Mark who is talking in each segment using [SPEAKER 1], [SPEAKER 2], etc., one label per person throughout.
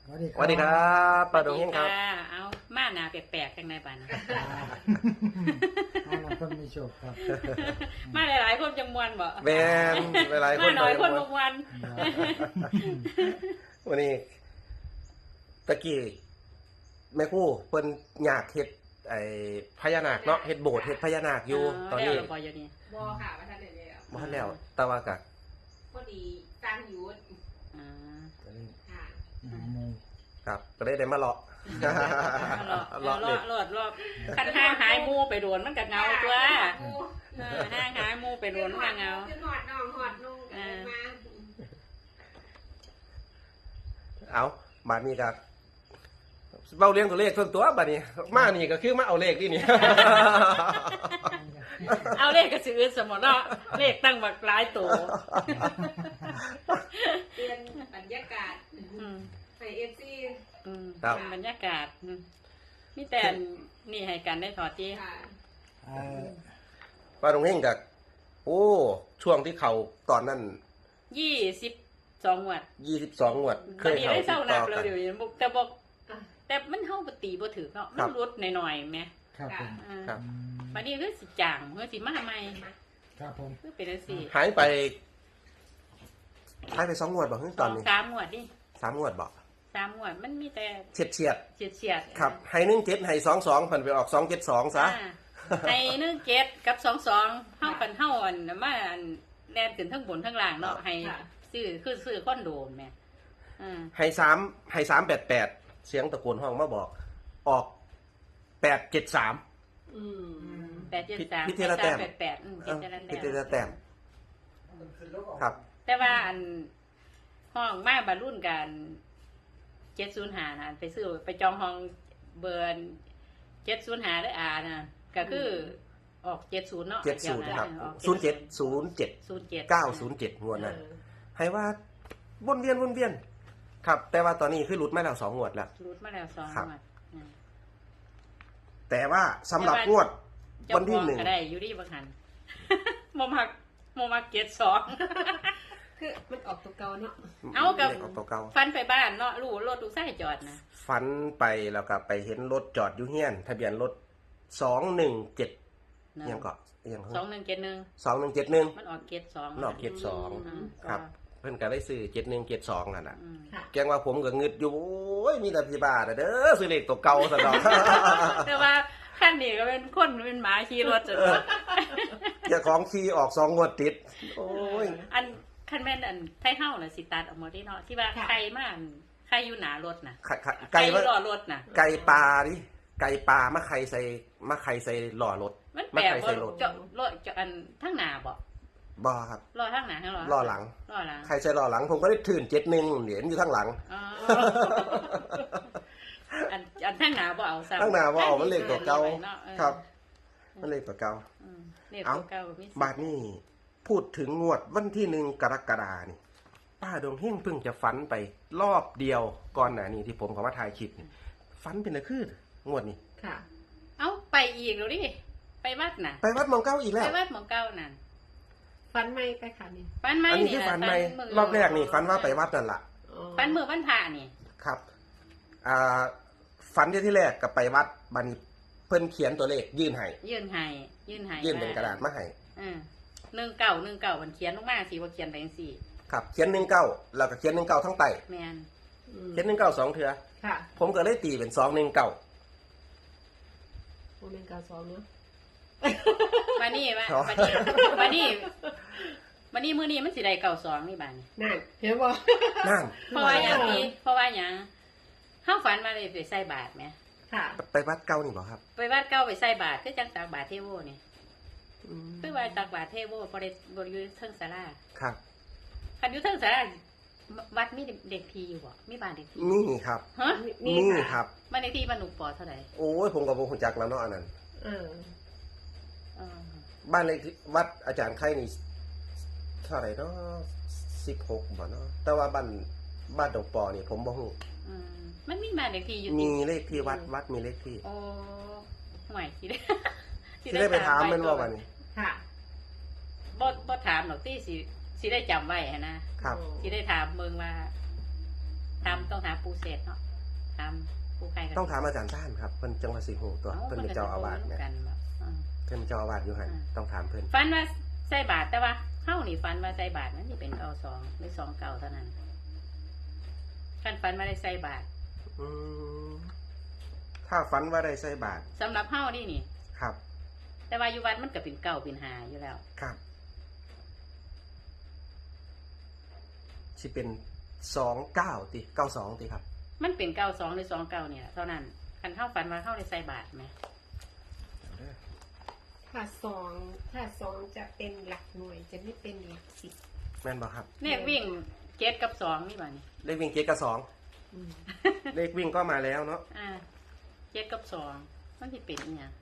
[SPEAKER 1] สวัสดีครับป้าดงเฮงครับ
[SPEAKER 2] เอามาหนาแปลกๆจังไดบ้าน
[SPEAKER 3] อันนั้นคนมีโชคครับ
[SPEAKER 2] มาหลายๆคนจังมวนบ่
[SPEAKER 1] แมนหลายๆคน
[SPEAKER 2] มาหน่อยคนบ่มวน
[SPEAKER 1] วันนี้ตะกี้แม่ครู่เพิ่นอยากเฮ็ดไอ้พญานาคเนาะเฮ็ดโบสถ์เฮ็ดพญานาคอยู่ตอนนี้
[SPEAKER 2] แล้วบ่อยู่นี่
[SPEAKER 4] บ่ค่ะว่าท่านได้แล้ว
[SPEAKER 1] บ่ทันแล้วแต่ว่าก็
[SPEAKER 4] พอดีสร้างอยู่
[SPEAKER 2] อ่า
[SPEAKER 4] ค่ะ
[SPEAKER 3] หมู
[SPEAKER 1] ครับก็ได้มาเลาะ
[SPEAKER 2] รอบคันห้างหายหมู่ไปโดนมันก็เงาตัวห้างหายหมู่ไปโดนมันก็เงา
[SPEAKER 4] ขึ้นหอดน้องหอดนุ่งมา
[SPEAKER 1] เอาบาดนี้ก็เบ้าเลี้ยงตัวเลขส่วนตัวบัดนี้มานี่ก็คือมาเอาเลขนี่นี่
[SPEAKER 2] เอาเลขก็สิอื่นสมมุติเนาะเลขตั้งบักหลายตัว
[SPEAKER 4] เปลี่ยนบรรยากาศให้ FC
[SPEAKER 1] ครับ
[SPEAKER 2] เป็นบรรยากาศมีแต่นี่ให้กันได้ถอดจี
[SPEAKER 4] ค่ะ
[SPEAKER 1] ป้าดงเฮงก็โอ้ช่วงที่เขาตอนนั้น
[SPEAKER 2] 22งวด
[SPEAKER 1] 22งวดเค
[SPEAKER 2] วัน
[SPEAKER 1] ย
[SPEAKER 2] นี้
[SPEAKER 1] เข้า
[SPEAKER 2] ได้
[SPEAKER 1] ติ
[SPEAKER 2] เศร้า
[SPEAKER 1] ด
[SPEAKER 2] หนั
[SPEAKER 1] ต่
[SPEAKER 2] ก
[SPEAKER 1] อ
[SPEAKER 2] เลย
[SPEAKER 1] กัน
[SPEAKER 2] เดี๋ยวนี้แต่มันเฮาปตีบ่ถือเนาะมันลดหน่อยๆแหม
[SPEAKER 3] ครับผม
[SPEAKER 1] ครับ
[SPEAKER 2] วันนี้คือสิจางเมื่อสิมาใหม่
[SPEAKER 3] ครับผม
[SPEAKER 2] คือเป็นจังซี่
[SPEAKER 1] หายไป2งวดบ่ฮึตอนนี้
[SPEAKER 2] 3งวดดิ
[SPEAKER 1] 3งวดบ่
[SPEAKER 2] 3งวดมันมีแต่
[SPEAKER 1] เฉียด
[SPEAKER 2] เฉียดๆ
[SPEAKER 1] ครับให้17ให้22เพิ่นไปออก272ซะ
[SPEAKER 2] ให้17กับ22เฮากันเฮาอันมาอันแล่นขึ้นทั้งบนทั้งล่างเนาะให้ซื้อคอนโดแม่
[SPEAKER 1] ให้388เสียงตะโกนห้องมาบอกออก873
[SPEAKER 4] อืม
[SPEAKER 2] 873
[SPEAKER 1] พิธีละแต้ม
[SPEAKER 2] 88
[SPEAKER 1] พิธีละแต้มครับ
[SPEAKER 2] แต่ว่าอันห้องมาบรรลุนกัน705นะไปซื้อไปจองห้องเบอร์705ได้นะก็คือออก70เนาะ
[SPEAKER 1] 70ครับ 0707 907งวดนั้นให้ว่าวนเวียนครับ แต่ว่าตอนนี้คือหลุดมาแล้ว2งวดแล้ว
[SPEAKER 2] รูดมาแล้ว2
[SPEAKER 1] ครับ
[SPEAKER 2] งวด
[SPEAKER 1] แต่ว่าสำหรับงวดวันที่
[SPEAKER 2] เจ้าของก็ได้อยู่ดีบางหัน โมมักเกียรติ2
[SPEAKER 4] คือมันออกตัวเก่าเนาะ
[SPEAKER 2] เอากับ
[SPEAKER 1] ลขออกตัวเก่า
[SPEAKER 2] ฟันไปบ้านเนาะรู้รถลูกชายจอดนะ
[SPEAKER 1] ฝันไปแล้วก็ไปเห็นรถจอดอยู่เฮียน ทะเบียนรถ217ยังก็ยัง
[SPEAKER 2] 2171
[SPEAKER 1] 2171
[SPEAKER 2] มันออกเกียรติ2
[SPEAKER 1] นอกเกียรติ2ครับเพิ่นก็ได้ซื้อ7172นั่นน่ะ
[SPEAKER 4] ค่ะ
[SPEAKER 1] แกงว่าผมก็งึดอยู่โอ้ยมีแต่พี่บ้าเด้อซื้อเลขตัวเก่าซะดอก
[SPEAKER 2] แต่ว่าขั้นนี้ก็เป็นคนเป็นหมาขี่รถจน
[SPEAKER 1] เจ้าของขี่ออก2งวดติดโอ้ย
[SPEAKER 2] อันขั้นแม่นอันไทเฮาน่ะสิตัดออกมาที่เนาะที่ว่าใครมาอันใครอยู่หนารถน่ะ
[SPEAKER 1] ไก่
[SPEAKER 2] อยู่รอรถน่ะ
[SPEAKER 1] ไก่ปลาดิไก่ปลามาไข่ใส่หล่อรถ
[SPEAKER 2] มัน
[SPEAKER 1] มา
[SPEAKER 2] แปลก
[SPEAKER 1] ไข่
[SPEAKER 2] ว่า
[SPEAKER 1] ใส่รถ
[SPEAKER 2] เจาะรถเจาะอันทั้งหน้าบ่
[SPEAKER 1] บ่ครับ
[SPEAKER 2] รอทั้งหน้าทั้งรอ
[SPEAKER 1] ล้อหลัง
[SPEAKER 2] รอหลัง
[SPEAKER 1] ไข่ใส่หล่อหลังผมก็ได้ถื่น71เหรียญอยู่ข้างหลัง
[SPEAKER 2] อ๋ออันทั้งหน้าบ่เอาซ้ำ
[SPEAKER 1] ข้างหน้าบ่เอามันเลขตัวเก่า
[SPEAKER 2] เนาะเออ
[SPEAKER 1] ครับ มันเลขตัวเก่า
[SPEAKER 2] เลขตัวเก่ามี
[SPEAKER 1] บาทนี้พูดถึงงวดวันที่1กรกฎานี่ป้าดวงเฮงเพิ่งจะฝันไปรอบเดียวก่อนหน้านี้ที่ผมเขามาถ่ายคลิปนี่ฝันเป็นอะไรคืองวดนี้
[SPEAKER 4] ค่ะ
[SPEAKER 2] เอาไปอีกแล้วดิไปวัดน่ะ
[SPEAKER 1] ไปวัดหมองเก้าอีกแล้ว
[SPEAKER 2] ไปวัดหมองเก่านั่น
[SPEAKER 4] ฟันไม่ไปค่ะนี่
[SPEAKER 2] ฟันไม้
[SPEAKER 1] อันนี้
[SPEAKER 2] นี่
[SPEAKER 1] คือ
[SPEAKER 2] ล่ะ
[SPEAKER 1] ฝันใหม่
[SPEAKER 2] มื้
[SPEAKER 1] รอบแรกนี่ฝันว่าไปวัดนั่นล่ะ
[SPEAKER 2] ฟันมือวันพระนี่
[SPEAKER 1] ครับฝันที่แรกกับไปวัดบัดนเพิ่นเขียนตัวเลขยื่นให้
[SPEAKER 2] ยื่นให้
[SPEAKER 1] ยื่นเป็นกระดาษมาให้
[SPEAKER 2] 19มันเขียนลงมาสิว่าเขียนไปจังซี่
[SPEAKER 1] ครับเขียน19แล้วก็เขียน19ทั้งไต
[SPEAKER 2] แม่น
[SPEAKER 1] เขียน19 2เทื่อ
[SPEAKER 4] ค่ะ
[SPEAKER 1] ผมก็เลยตีเป็น219
[SPEAKER 4] โมเมนต์การซ้อมเนาะ
[SPEAKER 2] มานี่ว่า
[SPEAKER 1] อ๋อ
[SPEAKER 2] มานี่มื้อนี้มันสิได้92นี่บาดนี้
[SPEAKER 4] นั่นเห็นบ่
[SPEAKER 1] นั่น
[SPEAKER 2] เพราะว่าหยังนี่เพราะว่าหยังเฮาฝันมาเลยไปใส่บาตรแหม
[SPEAKER 4] ค่ะ
[SPEAKER 1] ไปวัดเก่านี่บ่ครับ
[SPEAKER 2] ไปวัดเก่าไปใส่บาตรคือจังตักบาตรเทโวนี่คือว่าตักบาตรเทโวบ่ได้บ่อยู่เทิงศาลา
[SPEAKER 1] ครับ
[SPEAKER 2] คันอยู่เทิงศาลาวัดมีเด็กพีอยู่บ่มีบ้านเด็กพี
[SPEAKER 1] นี่ครับ
[SPEAKER 2] ฮะ
[SPEAKER 1] นี่ครับ
[SPEAKER 2] บ้านเด็กพีบ้านหนูปอเท่าไหร่
[SPEAKER 1] โอ้ยผมก็บ่ฮู้จักแล้วเนาะอันนั้น
[SPEAKER 4] เออ
[SPEAKER 2] อ๋อ
[SPEAKER 1] บ้านเลขที่วัดอาจารย์ไข่นี่เท่าไหร่เนาะ16บ่เนาะแต่ว่าบ้านดงปอนี่ผมบ่ฮู้
[SPEAKER 2] อืมมันมีบ้านเด็กพีอยู่
[SPEAKER 1] มีเลขที่วัดมีเลขที่
[SPEAKER 2] โอ้ห่วยสิได้
[SPEAKER 1] สิได้ไปถามแม่นว่าบัดนี้
[SPEAKER 4] ค่ะ
[SPEAKER 2] บ่ถามหรอกที่สิได้จำไว้หั้นนะครับ สิได้ถามเมืองว่าถต้องหาปูเศษเนาะถามปูใครกัน
[SPEAKER 1] ต้องถามอาจารย์ท่านครับเพิ่นจังหวัดสิงห์หูตัวเพิ่นเป็นเจ้าอาวาสเนี่ย
[SPEAKER 2] กันบ่อืม
[SPEAKER 1] เพิ่นเป็นเจ้าอาวาสอยู่หั่นต้องถามเพิ่น
[SPEAKER 2] ฝันว่าใส่บาทแต่ว่าเฮานี่ฝันว่าใส่บาทมันสิเป็นเอา2หรือ2เก่าเท่านั้นคันฝันว่าได้ใส่บาท
[SPEAKER 1] อืมถ้าฝันว่าได้ใส่บาตร
[SPEAKER 2] สำหรับเฮานี่
[SPEAKER 1] ครับ
[SPEAKER 2] แต่ว่าอยู่วัดมันก็เป็นเก่าเป็นหาอยู่แล้ว
[SPEAKER 1] ครับสิเป็น29ติ92ติครับ
[SPEAKER 2] มันเป็น92หรือ29เนี่ยเท่านั้นคันเฮาฝันว่าเฮาได้ใส่บาทไหม
[SPEAKER 4] ถ้าสองจะเป็นหลักหน่วยจะไม่เป็นหลักสิบ
[SPEAKER 1] แม่นบ่ครับ
[SPEAKER 2] เลขวิ่ง7กับ2นี่บ่นี่
[SPEAKER 1] เลขวิ่ง7กับ2เลขวิ่งก็มาแล้วเนาะ
[SPEAKER 2] 7กับ2มันสิเป็นอีหยัง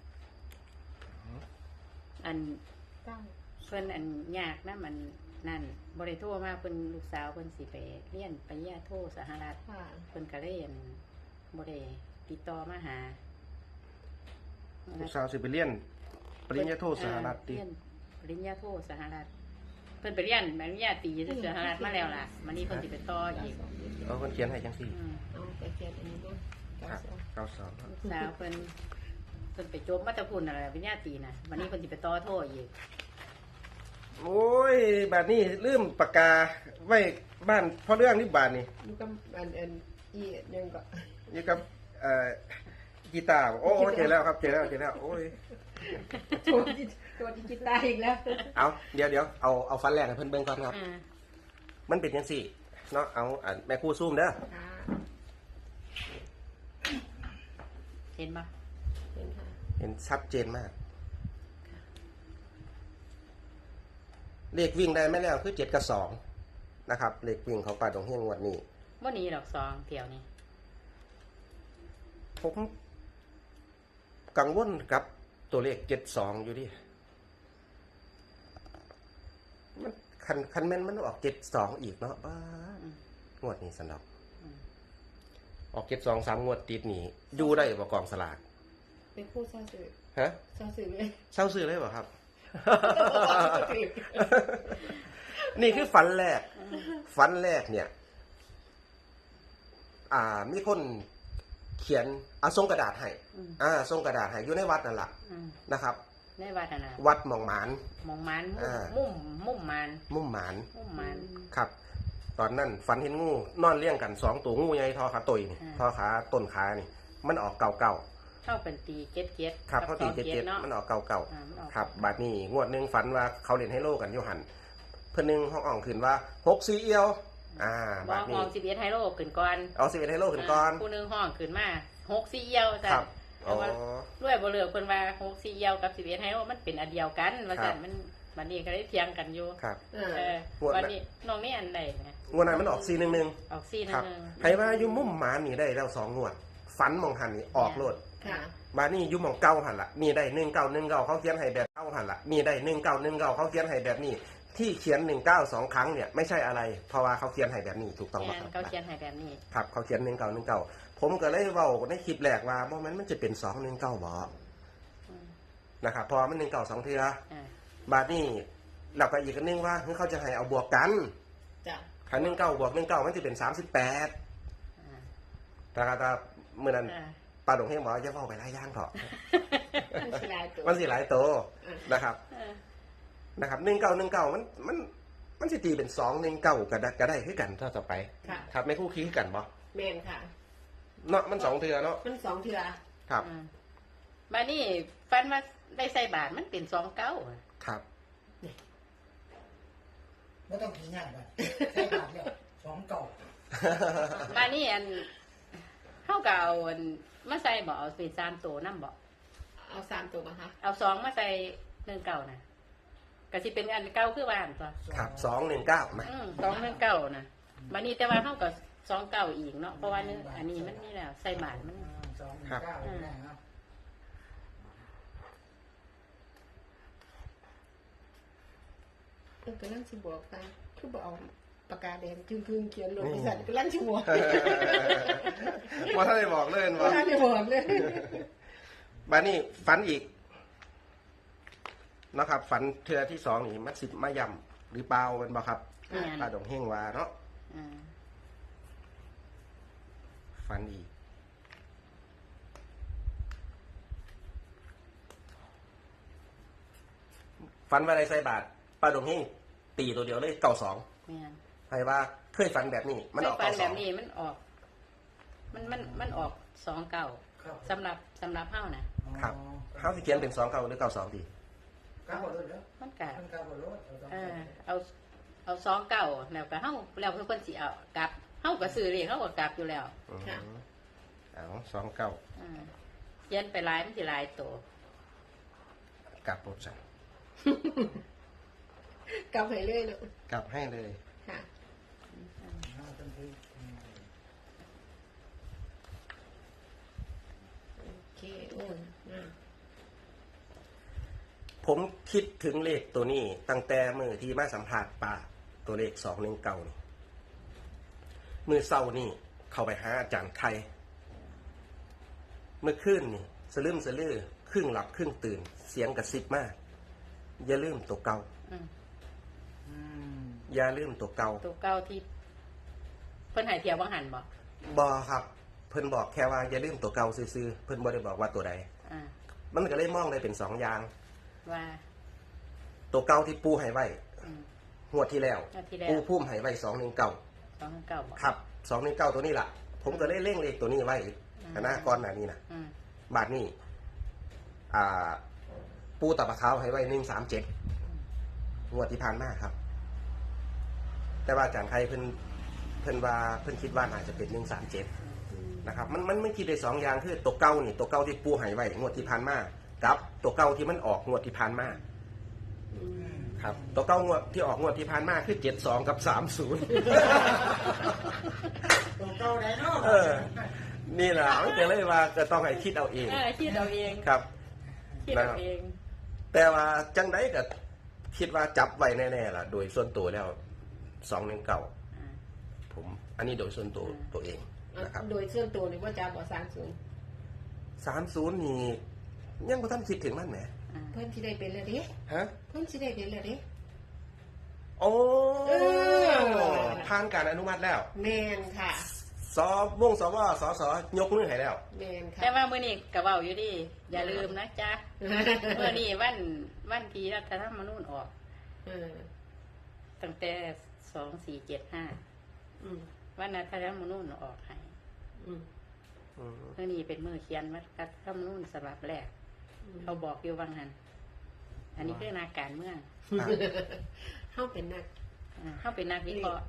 [SPEAKER 2] อัน
[SPEAKER 4] เก้า
[SPEAKER 2] เพิ่นอันยากนะมันนั่นบ่ได้โทรมาเพิ่นลูกสาวเพิ่นสิไปเรียนปริญญาโทสหรัฐ
[SPEAKER 4] ค่ะ
[SPEAKER 2] เพิ่นก็เลยอั่นบ่ได้ติดต่อมาหา
[SPEAKER 1] ลูกสาวสิไปเรียนปริญญาโทสหรัฐติ
[SPEAKER 2] เรียนปริญญาโทสหรัฐเพิ่นไปเรียนปริญญาตรีที่สหรัฐมาแล้วล่ะมันนี้เพิ่นสิไปต่ออีก
[SPEAKER 1] เอาเพิ่นเขียนให้จังซี่
[SPEAKER 4] เอาไปเขียนอันนี้ด้วย
[SPEAKER 1] ครับ92ครับ
[SPEAKER 2] ลูกสาวเพิ่นไปจบมาแตะพุ่นน่ะแหละปริญญาตรีน่ะวันนี้เพิ่นสิไปต่อโทอีก
[SPEAKER 1] โอ้ยบัดนี้ลืมปากกาไว้บ้านพ่อเรื่องนี่บาดนี้
[SPEAKER 4] นี่ก็อันอียังก็
[SPEAKER 1] อยู่กับกีตาร์โอ้เจอแล้วครับเจอแล้วโอ้ย
[SPEAKER 4] ตัวดิจิตาร์อีกแล้ว
[SPEAKER 1] เอาเดี๋ยวเอาฟันแรกให้เพิ่นเบิ่งก่อนครับ
[SPEAKER 2] อ่า
[SPEAKER 1] มันเป็นจังซี่เนาะเอาแม่ครูซูมเด้อ
[SPEAKER 4] ค่ะ
[SPEAKER 2] เห็นบ่
[SPEAKER 4] เห็นค่ะ
[SPEAKER 1] เห็นชัดเจนมาก เลขวิ่งได้ไหมแล้วคือ7กับ2นะครับเลขวิ่งของป่าดงเฮงงวดนี้
[SPEAKER 2] บ่หนีดอก2เที่ยวนี้
[SPEAKER 1] ผมกังวลกับตัวเลข72อยู่ดิมันคันแม่นมันออก72อีกเนาะบ้า
[SPEAKER 2] อืม
[SPEAKER 1] งวดนี้สนอก
[SPEAKER 2] อืม
[SPEAKER 1] ออก72 3งวดติดนี่อยู่ได้บ่กองสลาก
[SPEAKER 4] เป็นผู้เศร้าสื่อ
[SPEAKER 1] ฮะ
[SPEAKER 4] เศร้าสื่อเลย
[SPEAKER 1] เศร้าซื้อเลยบ่ครับ นี่คือฝันแรก ฝันแรกเนี่ย มีคนเขียนส่งกระดาษให้ ส่งกระดาษให้อยู่ในวัดนั่นแหละ
[SPEAKER 2] อืม
[SPEAKER 1] นะครับ
[SPEAKER 2] ในวัดน่ะนะ
[SPEAKER 1] วัดหมองหมาน
[SPEAKER 2] มองมัน
[SPEAKER 1] อ่า
[SPEAKER 2] มุ่มมัน
[SPEAKER 1] มุ่มหมาน
[SPEAKER 2] มุ่มมัน
[SPEAKER 1] ครับ ตอนนั้นฝันเห็นงูนอนเลี้ยงกัน2ตัวงูใหญ่ทอขาตุยนี่
[SPEAKER 2] อ่า
[SPEAKER 1] ทอขาต้นขานี่ มันออกเก่า
[SPEAKER 2] เข้าเป็นตีเก็ด
[SPEAKER 1] ๆครับเขาตี
[SPEAKER 2] กับ
[SPEAKER 1] เจ็ด
[SPEAKER 2] เนาะ
[SPEAKER 1] มันออกเก่า
[SPEAKER 2] อ่ามันออก
[SPEAKER 1] ๆครับบัดนี้งวดหนึงฝันว่าเขาเล่นไฮโลกันอยู่หันเพิ่นหนึงห้องอ่องขึ้นว่า6-4เอียว
[SPEAKER 2] บ
[SPEAKER 1] บั
[SPEAKER 2] อ
[SPEAKER 1] ด
[SPEAKER 2] ก
[SPEAKER 1] นี้
[SPEAKER 2] ห้อง11ไฮโลขึ้นก่อน
[SPEAKER 1] เอา11ไฮโลขึ้นก่อน
[SPEAKER 2] ผู้หนึงห้องขึ้นมา6-4เอียว
[SPEAKER 1] ค
[SPEAKER 2] ซั่
[SPEAKER 1] รั
[SPEAKER 2] น
[SPEAKER 1] บ
[SPEAKER 2] แต่ว่าด้วยบ่เลือกเพิ่นว่า6-4เอียวกับ11ไฮโลมันเป็นอันเดียวกันว่าซั่นมันบัดนี้ก็ได้เถียงกันอยู่
[SPEAKER 1] ครับ
[SPEAKER 4] อ่า
[SPEAKER 2] เออ
[SPEAKER 1] ปวด
[SPEAKER 2] วันนี้น้องนี่อันใดนะ
[SPEAKER 1] งวดนั้นมันออก411
[SPEAKER 2] ออก4
[SPEAKER 1] ครับ
[SPEAKER 2] นึง
[SPEAKER 1] ให้ว่าอยู่มุมหมานี่ได้แล้ว2งวดฝันมองหันนี่ออกโลด
[SPEAKER 4] ค่ะ
[SPEAKER 1] มานี่อยู่หมองเก่าหันละนี่ได้1919เขาเขียนให้แบบเก่าหันละนี่ได้1919เขาเขียนให้แบบนี้ ที่เขียน192ครั้งเนี่ยไม่ใช่อะไร เพราะว่าเขาเขียนให้แบบนี้ถูกต้องไหม
[SPEAKER 2] แม่น
[SPEAKER 1] ครับ
[SPEAKER 2] เขาเขียนให้แบบนี้
[SPEAKER 1] ครับเขาเขียน1919ผมก็เลยเว้าในคลิปแรกว่าบ่มันจะเป็น219บ่
[SPEAKER 2] อืม
[SPEAKER 1] นะครับเพอมัน192เทื่อ
[SPEAKER 2] อ่า
[SPEAKER 1] บาดนี้เราก็อีกอันนึงว่าเขาจะให้เอาบวกกัน
[SPEAKER 4] จ้ะ
[SPEAKER 1] ถ้า19บวก19มันจะเป็น38
[SPEAKER 2] อ่า
[SPEAKER 1] ถ้าเมื่อนั้น
[SPEAKER 2] อ่า
[SPEAKER 1] ป้าดงเฮงบอกว่าอย่าเว้าไปหลายอย่างเถอะ
[SPEAKER 4] มันสิหลายตัว
[SPEAKER 1] มันสิหลายตัว
[SPEAKER 4] อ่า
[SPEAKER 1] นะครับ
[SPEAKER 2] เออ
[SPEAKER 1] นะครับ1919มันสิตีเป็น219ก็ได้คือกันถ้าต่อไป
[SPEAKER 4] ค่ะ
[SPEAKER 1] ครับไม่คู่คีคือกันบ่
[SPEAKER 4] แมนค่ะ
[SPEAKER 1] เนาะมัน2เทื่อเนาะ
[SPEAKER 4] มัน2เทื่อ
[SPEAKER 1] ครับ
[SPEAKER 2] อ่าบัดนี้ฟันว่าได้ใส่บาทมันเป็น29อะ
[SPEAKER 1] ครับ
[SPEAKER 3] ไม่ต้องขี่ง่ายไปใช้บาทเดียว2
[SPEAKER 2] บัดนี้อันเฮาก็เอาอันมาใส่บ่เอาเป็น3ตัวนำบ่
[SPEAKER 4] เอา3ตัวมาคะ
[SPEAKER 2] เอา2มาใส่19น่ะก็สิเป็นอันเก่าคือว่าอันตัว
[SPEAKER 1] ครับ219นะ
[SPEAKER 2] 219น่ะบัดนี้แต่ว่าเฮาก็29อีกเนาะเพราะว่านึงอันนี้มันมีแล้วใส่บาทมัน
[SPEAKER 3] 219นะครับ
[SPEAKER 4] กำลังสิบอกตาคือบ่เอาปากกาแดงจึงๆเขียนลงบริษัทกำลังสิบอก
[SPEAKER 1] ว่าถ้าได้บอกเลย
[SPEAKER 4] บ่
[SPEAKER 1] ว่า
[SPEAKER 4] ทันได้บอกเลย
[SPEAKER 1] บัดนี้ฝันอีกนะครับ ฝันเทื่อที่2นี่มันสิมาย่ำหรือเปล่าเป็นบ่ครับ
[SPEAKER 2] เนี่ย
[SPEAKER 1] ป้าดงเฮงว่าเนาะ
[SPEAKER 2] อ่า
[SPEAKER 1] ฝันอีกฝันว่าอะไรใส่บาทป้าดงเฮงตีตัวเดียวเลยเก่าสอง
[SPEAKER 2] แม่น
[SPEAKER 1] ใครว่าเคยฝันแบบนี้ มันออก
[SPEAKER 2] เคยฝั
[SPEAKER 1] เก่าส
[SPEAKER 2] แบ
[SPEAKER 1] อง
[SPEAKER 2] บนี้มันออก มันออก29
[SPEAKER 3] ครับ
[SPEAKER 2] สำหรับเฮานะครับ
[SPEAKER 1] เขาสิเขียนเป็น2 9หรือ9 2ดี
[SPEAKER 3] ก้าวรถแล้ว
[SPEAKER 2] มันก็
[SPEAKER 3] มันก้าวรถ
[SPEAKER 2] เอา29แล้วก็เฮาแล้วเพิ่นสิเอากลับเฮาก็ซื้อเลขเฮาก็กลับอยู่แล้ว
[SPEAKER 4] ค่ะ
[SPEAKER 1] เอา2 9
[SPEAKER 2] เขียนไปหลายมันสิหลายตัว
[SPEAKER 1] กลับรถใส่
[SPEAKER 4] กลับไปเรื่อยเนาะ
[SPEAKER 1] กลับให้เลย
[SPEAKER 4] ค่ะโอเคโอ้ยอ่ะ
[SPEAKER 1] ผมคิดถึงเลขตัวนี้ ตั้งแต่มือที่มาสัมผัสป่าตัวเลข219นี่มือเศร้านี่เข้าไปหาอาจารย์ไทย เมื่อคืนนี่สลืมสลือครึ่งหลับครึ่งตื่น เสียงกระซิบมาก อย่าลืมตัวเก่า
[SPEAKER 2] อืม
[SPEAKER 1] อย่าลืมตัวเก่า
[SPEAKER 2] ตัวเก่าที่เพิ่นให้เที่ยวบ่หันบ่
[SPEAKER 1] บอครับ เพิ่นบอกแค่ว่าอย่าลืมตัวเก่าซื่อๆเพิ่นบ่ได้บอกว่าตัวใด
[SPEAKER 2] อ่า
[SPEAKER 1] มันก็เลยมองได้เป็น2อย่าง
[SPEAKER 2] ว่า
[SPEAKER 1] ตัวเก่าที่ปูให้ไว้
[SPEAKER 2] อืม
[SPEAKER 1] งวดที่แล้ว
[SPEAKER 2] งวดที่แล้ว
[SPEAKER 1] ปูพุ่มให้ไว้219
[SPEAKER 2] 2เก่าบ่
[SPEAKER 1] ครับ219ตัวนี้ล่ะ ผมก็เลยเร่งเลขตัวนี้ไว้คณะก่อนหน้านี้นะ
[SPEAKER 2] อืม
[SPEAKER 1] บาทนี้ปูตะปะขาวให้ไว้137งวดที่ผ่านมาครับ แต่ว่าอาจารย์ไทยเพิ่นว่าเพิ่นคิดว่าน่าจะเป็น137นะครับ มันไม่คิดได้2อย่างคือตัวเก่านี่ตัวเก่าที่ปูให้ไว้งวดที่ผ่านมากับตัวเก่าที่มันออกงวดที่ผ่านมาครับ ตัวเก่างวดที่ออกงวดที่ผ่านมาคือ72กับ30
[SPEAKER 3] ตัวเก้าไหนเนาะ
[SPEAKER 1] เออ นี่แหละมันก็เลยว่าก็ต้องให้คิดเอาเอง
[SPEAKER 2] คิดเอาเอง
[SPEAKER 1] ครับ
[SPEAKER 2] คิดเอาเอง
[SPEAKER 1] แต่ว่าจังไดก็คิดว่าจับไว้แน่ๆล่ะ โดยส่วนตัวแล้ว219
[SPEAKER 2] อ่า
[SPEAKER 1] ผม อันนี้โดยส่วนตัวเองนะครับ
[SPEAKER 4] โดยส่วนตัวนี่ว่าจะบอก
[SPEAKER 1] 30นี่ยังบ่ทันคิดถึงมันแหม
[SPEAKER 2] อ่า
[SPEAKER 4] เพิ่นสิได้เป็นแล้วเด้
[SPEAKER 1] ฮะ
[SPEAKER 4] เพิ่นสิได้เป็นแล้วเด้
[SPEAKER 1] โอ้
[SPEAKER 4] เออ
[SPEAKER 1] ผ่านการอนุมัติแล้ว
[SPEAKER 4] แม่นค่ะ
[SPEAKER 1] สวงสวสสยกมือให้แล้ว
[SPEAKER 4] แม่นค่ะ
[SPEAKER 2] แต่ว่ามื้อนี้ก็เว้าอยู่ดิอย่าลืมนะจ๊ะมื้อนี้วันที่รัฐธรรมนูญออก
[SPEAKER 4] เออ
[SPEAKER 2] ตั้งแต่2475
[SPEAKER 4] อืม
[SPEAKER 2] วันรัฐธรรมนูญออกให้
[SPEAKER 4] อืม
[SPEAKER 2] มื้อนี้เป็นมื้อเขียนรัฐธรรมนูญฉบับแรก เขาบอกอยู่ว่างั้นอันนี้คือนักการเมือง
[SPEAKER 4] เฮาเป็นนัก
[SPEAKER 2] เขาเป็นนักวิเคราะห์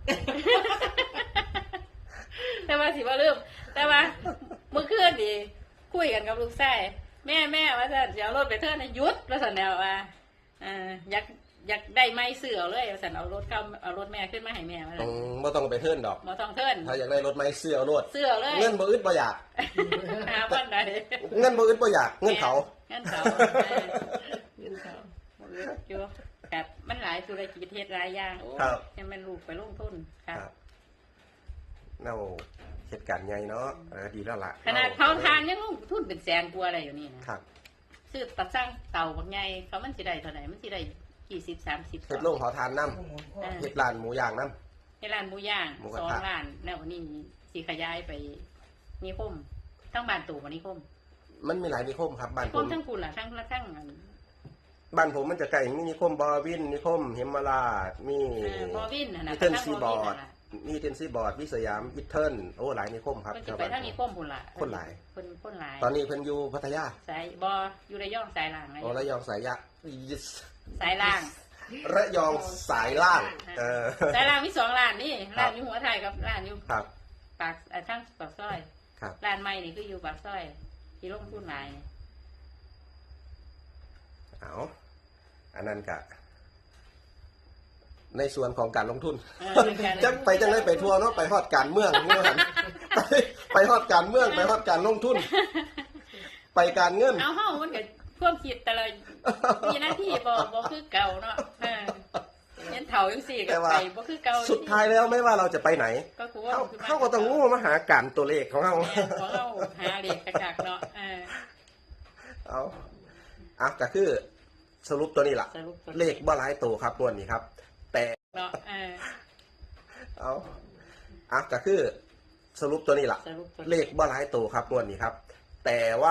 [SPEAKER 2] แต่ว่าสิว่าเริ่มแต่ว่าเมื่อคืนดีคุยกันกับลูกชายแม่ว่าสันจะเอารถไปเทิร์นหยุดว่าสันแนวว่าอยากได้ไม้เสือเลยว่าสันเอารถแม่ขึ้นมาให้แม่ว่า
[SPEAKER 1] บ่ต้องไปเทิร์นดอก
[SPEAKER 2] มาต้องเทิร์น
[SPEAKER 1] ถ้าอยากได้รถไม้เสื้อเอารถ
[SPEAKER 2] เสือเลย
[SPEAKER 1] เงินบ่อึดบ่อยาก
[SPEAKER 2] หาบ้านใด
[SPEAKER 1] เงินบ่อึดบ่อยากเงินเขา
[SPEAKER 2] เงินเขา
[SPEAKER 4] เงินเขา
[SPEAKER 2] อยู่แบบมันหลายธุรกิจเฮ็ดหลายอย่างโอ้ยังเป็นลูกไปลงทุนครับ
[SPEAKER 1] เราเหตุการณ์ใหญ่เนาะดีแล้วล่ะ
[SPEAKER 2] ขนาดเผาทานยังลงทุนเป็นแสนกว่าอะไรอยู่นี่นะครับ ซื้อตัดสร้างเต่าบางไงเขามันสิได้เท่าไหร่มันสิได้20-30
[SPEAKER 1] เฮ็ดโรงเผาทานน้ำ
[SPEAKER 3] หมุนข้อ
[SPEAKER 1] เฮ็ดร้านหมูย่างน้
[SPEAKER 2] ในร้านหมูย่าง
[SPEAKER 1] หมูกระ
[SPEAKER 2] 2
[SPEAKER 1] ทะ
[SPEAKER 2] ร้านแล้วนี่สิขยายไปนิคมทั้งบ้านตู่กับนิคม
[SPEAKER 1] ำมันมีหลายนิคมครับบ้าน
[SPEAKER 2] นิ
[SPEAKER 1] ผ
[SPEAKER 2] คม
[SPEAKER 1] ม
[SPEAKER 2] ทั้งคุณล่ะทั้งอัน
[SPEAKER 1] บ้านผมมันจะใกล้มีนิคมบอวินนิคมเฮมมาราดมี
[SPEAKER 2] บอวินน่ะนะ
[SPEAKER 1] อีเทิร์น
[SPEAKER 2] ทั้ง
[SPEAKER 1] ซี
[SPEAKER 2] บบ อ
[SPEAKER 1] อ
[SPEAKER 2] วิน
[SPEAKER 1] ร์ด
[SPEAKER 2] น่ะล่ะ
[SPEAKER 1] มีเทนซีบอร์ดวิสยามอีเทิร์นโอ้หลายนิคมครับ
[SPEAKER 2] เพิ่นสิไปทั้งนิคมพุ่นล่ะ
[SPEAKER 1] คนหลาย
[SPEAKER 2] คนหลาย
[SPEAKER 1] ตอนนี้เพิ่นอยู่พัทยา
[SPEAKER 2] สายบอยู่ระยองสายล่าง
[SPEAKER 1] โอ้ระยองสายยะ
[SPEAKER 2] สายล่าง
[SPEAKER 1] ระยองสายล่างอ
[SPEAKER 2] สายล่างมี2ร้านนี่ร้านอยู่หัวไทยกับร้านอยู่
[SPEAKER 1] ครับ
[SPEAKER 2] ปากทั้งปากซอย
[SPEAKER 1] ครับ
[SPEAKER 2] ร้านใหม่นี่คืออยู่ปากซอยที่ลงทุนหลาย
[SPEAKER 1] เอาอันนั้นกะ ในส่วนของการลงทุน จังไปจังได้ไปทัวร์เนาะไปฮอดการเมืองนี่หันไปฮอดการเมืองไปฮอดการลงทุน ไปการเงิน
[SPEAKER 2] เอาเฮามันก็ความคิดแต่ละมีหน้าที่บ่คือเก่าเนาะเห็นเฒ่าจังซี่ก็ไปบ่คือเก่า
[SPEAKER 1] สุดท้ายแล้วไม่ว่าเราจะไปไหน
[SPEAKER 2] ก็คือว่า
[SPEAKER 1] เขาก็ต้องงูมาหาการตัวเลขของเขา
[SPEAKER 2] ของเราหาเลขกักๆเนาะ
[SPEAKER 1] เอาก็คือสรุปตัวนี้ล่ะ
[SPEAKER 2] สรุปตัว
[SPEAKER 1] เลขบ่หลายตัวครับงวดนี้ครับ แต่
[SPEAKER 2] เนาะ
[SPEAKER 1] เอาก็คือสรุปตัวนี้ล่ะ
[SPEAKER 2] สรุปตัว
[SPEAKER 1] เลขบ่หลายตัวครับงวดนี้ครับ แต่ว่า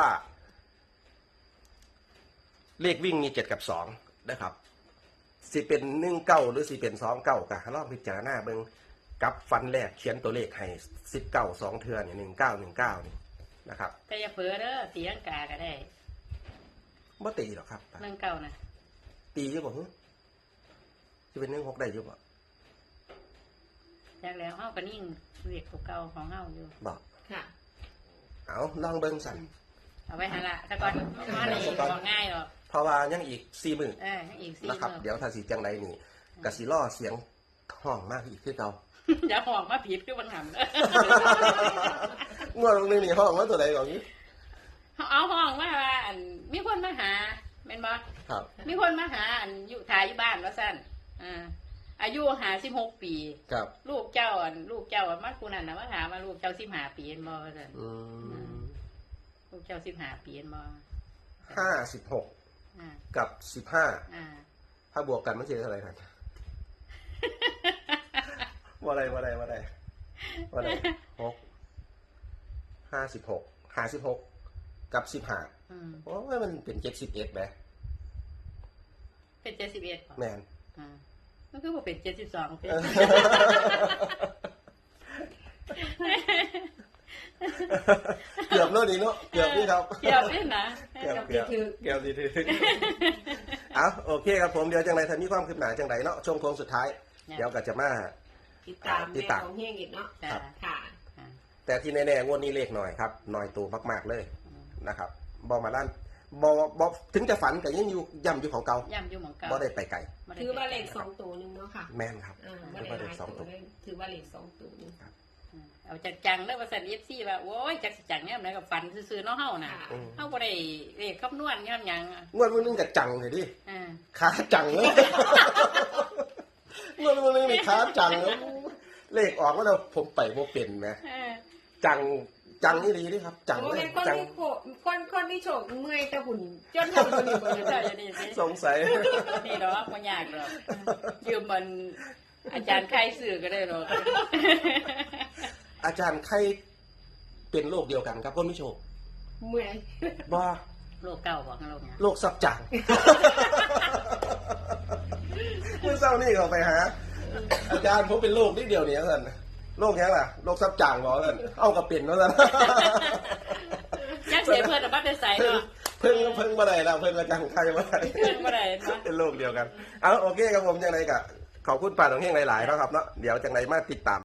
[SPEAKER 1] เลขวิ่งมี7 กับ 2นะครับสิเป็น19หรือสิเป็น29ก็ลองพิจารณาเบิ่งกับฟันแรกเขียนตัวเลขให้19 2เทื่อนี่1919นี่นะครับ
[SPEAKER 2] แต่อย่าเผลอเด้อตีลังกาก็ได้
[SPEAKER 1] บ่ตีหรอกครับ
[SPEAKER 2] เรื่องเก่านะ
[SPEAKER 1] ตีอยู่บ่ฮึสิเป็น16ได้อยู่บ่
[SPEAKER 2] จากแล้วเฮาก็นิ่งเรียกตัวเก่าของเฮาอยู่
[SPEAKER 1] บ่
[SPEAKER 4] ค่ะ
[SPEAKER 1] เอาลองเบิ่งสั่น
[SPEAKER 2] เอาไว้หั่นละแต่ก่อนมาได้บ่ง่ายหรอก
[SPEAKER 1] เพราะว่ายังอีก4มื้อ
[SPEAKER 2] ยังอีก4
[SPEAKER 1] นะครับ
[SPEAKER 2] มื้อ
[SPEAKER 1] เดี๋ยวถ้าสิจังใดนี่ก็สิล่อเสียงห้องมากอีกคือเก่า
[SPEAKER 2] อย่าห้องมาผิดคือมันหำเด้อง
[SPEAKER 1] วดนึงนี่ห้องว่าตัวใดก่อนนี้
[SPEAKER 2] เอาห้องว่าอันมีคนมาหาแม่นบ่
[SPEAKER 1] ครับ
[SPEAKER 2] มีคนมาหาอันอยู่ถ่ายอยู่บ้านว่าซั่นอายุ56 ปี
[SPEAKER 1] ครับ
[SPEAKER 2] ลูกเจ้ามาผู้นั้นน่ะมาถามว่าลูกเจ้า15 ปีเห็นบ่ว่าซั่น
[SPEAKER 1] อืม
[SPEAKER 2] ลูกเจ้า15 ปีเห็นบ่
[SPEAKER 1] 56
[SPEAKER 2] อ่า
[SPEAKER 1] กับ15ถ้าบวกกันมันจะเท่าไหร่ครับว่าอะไร56กับ15โอ้ยมันเป็น71ไหม
[SPEAKER 2] เป็น71บ่
[SPEAKER 1] แมน
[SPEAKER 2] มันคือบ่เป็น72เป็น
[SPEAKER 1] เกือบแล้วนี่เนาะเกือบนี่ครับ
[SPEAKER 2] เกี่ยวนี่นะ
[SPEAKER 1] เกือบดีถือเอาโอเคครับผมเดี๋ยวจังไรถ้ามีความคืบหน้าจังไรเนาะช่วงโค้งสุดท้าย เดี๋ยวก็จะมา
[SPEAKER 4] ติดตาม
[SPEAKER 1] ติด
[SPEAKER 4] แม่
[SPEAKER 1] ตาม
[SPEAKER 4] ของเฮงอีกเนาะ
[SPEAKER 2] จ้ะ
[SPEAKER 4] ค่ะ
[SPEAKER 1] แต่ที่แน่ๆงวดนี้เลขหน่อยครับหน่อยตัวมากๆเลยนะครับบอมาด้านบอถึงจะฝันแต่ยังอยู่ย่ำอยู่ของเก่า
[SPEAKER 2] ย่ำอยู่หม่องเก่า
[SPEAKER 1] บอได้ไปไกล
[SPEAKER 2] บ่ได้
[SPEAKER 4] ถือว่าเลข2ตัวหนึงเนาะค่ะ
[SPEAKER 1] แม่นครับ
[SPEAKER 4] บ่
[SPEAKER 1] ถือ
[SPEAKER 4] ได้
[SPEAKER 1] ว่า
[SPEAKER 4] ห
[SPEAKER 1] เล
[SPEAKER 4] ลา
[SPEAKER 1] ข
[SPEAKER 4] ย
[SPEAKER 1] สอง
[SPEAKER 4] ตั
[SPEAKER 1] ตัว ว
[SPEAKER 4] เลยถือว่าเลข2ตัวหนึง
[SPEAKER 2] เอาจังๆเด้อว่าซั่น FC ว่าโอ้ยจักสิจังแนวไหนก็ฝันซื่อๆเนาะเฮาน่ะ
[SPEAKER 4] ค่ะ
[SPEAKER 2] เฮาบ่ได้เลขคำนวณย้อนหยัง
[SPEAKER 1] งวดวันนึงจะจังเลยดิ
[SPEAKER 2] อ่า
[SPEAKER 1] ขาจังเลยงวดวันนึงนี่ขาจังแล้วเลขออกว่าเราผมไปโมเป็นไหมจังนี่ดีดิครับ จัง
[SPEAKER 4] โอ้
[SPEAKER 1] เลย
[SPEAKER 4] เป็นคน
[SPEAKER 1] จัง
[SPEAKER 4] ที่คนที่โฉกเมื่อยแต่หุ่นจนทำตัวนี้บ่
[SPEAKER 2] เจ้า
[SPEAKER 4] ได้
[SPEAKER 2] อย่านี่สิ
[SPEAKER 1] สงสัย
[SPEAKER 2] นี่ดอกบ่ยากดอกยืมมันอาจารย์ใครซื้อก็ได้ดอก
[SPEAKER 1] อาจารย์ใครเป็นโรคเดียวกันครับคนไม่โชค
[SPEAKER 4] เมื่อย
[SPEAKER 1] บ้า
[SPEAKER 2] โลกเก่าบ่ข้างโลกเนี่ย
[SPEAKER 1] โรคซับจัง เมื่อเช้านี่เขาไปหา อาจารย์ผมเป็นโรคนิดเดียวเนี่ยท่านโรคแค่ล่ะโรคซับจังบอกท่านเอากับเป็นแล้วท่าน
[SPEAKER 2] ยักษ์เสียเพิ่นน่ะบ่ได้ใส่เนาะ
[SPEAKER 1] เพิ่งมาได้แล้วเพิ่งอาจารย์ใครมาได้
[SPEAKER 2] เพิ่นบ่ได้เนาะ
[SPEAKER 1] เป็นโรคเดียวกันเอาโอเคครับผมจังไรกะขอบคุณป้าของเฮงหลายๆเนาะครับเนาะเดี๋ยวจังไรมาติดตาม